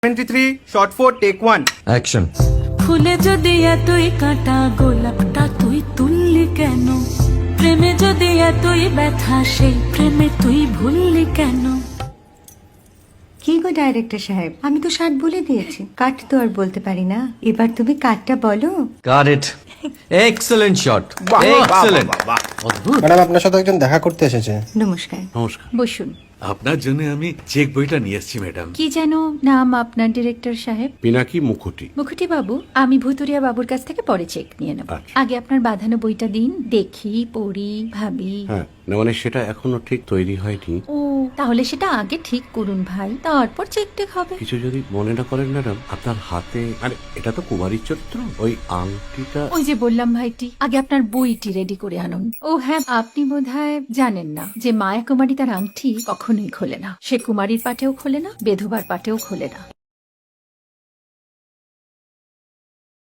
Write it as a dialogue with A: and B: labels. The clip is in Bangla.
A: 23 shot 4 take 1
B: অ্যাকশন।
C: ফুলে যদি এতই কাঁটা গোলাপটা তুই তুললি কেন? প্রেমে যদি এতই ব্যথা সেই প্রেমে তুই ভুললি কেন?
D: কি গো ডাইরেক্টর সাহেব, আমি তো 60 বলে দিয়েছি, কাট তো আর বলতে পারি না। এবার তুমি কাটটা বলো।
B: Got it. Excellent shot, excellent.
E: Madam আপনার সাথে একজন দেখা করতে এসেছে।
D: নমস্কার,
F: নমস্কার।
D: বসুন।
F: আপনার জন্য আমি চেক বইটা নিয়ে এসেছি ম্যাডাম।
D: কি যেন নাম আপনার ডিরেক্টর সাহেব?
F: পিনাকি মুখোটি।
D: মুখুটি বাবু, আমি ভুতুরিয়া বাবুর কাছ থেকে পরে চেক নিয়ে নেব।
F: আচ্ছা।
D: আগে আপনার বাঁধানো বইটা দিন, দেখি, পড়ি, ভাবি।
F: হ্যাঁ, না মানে সেটা এখনো ঠিক তৈরি হয়নি।
D: ও, তাহলে সেটা আগে ঠিক করুন ভাই, তারপর চেক টেক হবে।
F: কিছু যদি মনে না করেন ম্যাডাম, আপনার হাতে, আরে এটা তো কুমারীর চরিত্র, ওই আংটিটা।
D: ওই যে বললাম ভাইটি, আগে আপনার বইটি রেডি করে আনুন। ও হ্যাঁ, আপনি বোধহয় জানেন না যে মায়া কুমারী তার আংটি কখনোই খোলে না। সে কুমারীর পাটেও খোলে না, বেধবার পাটেও খোলে না।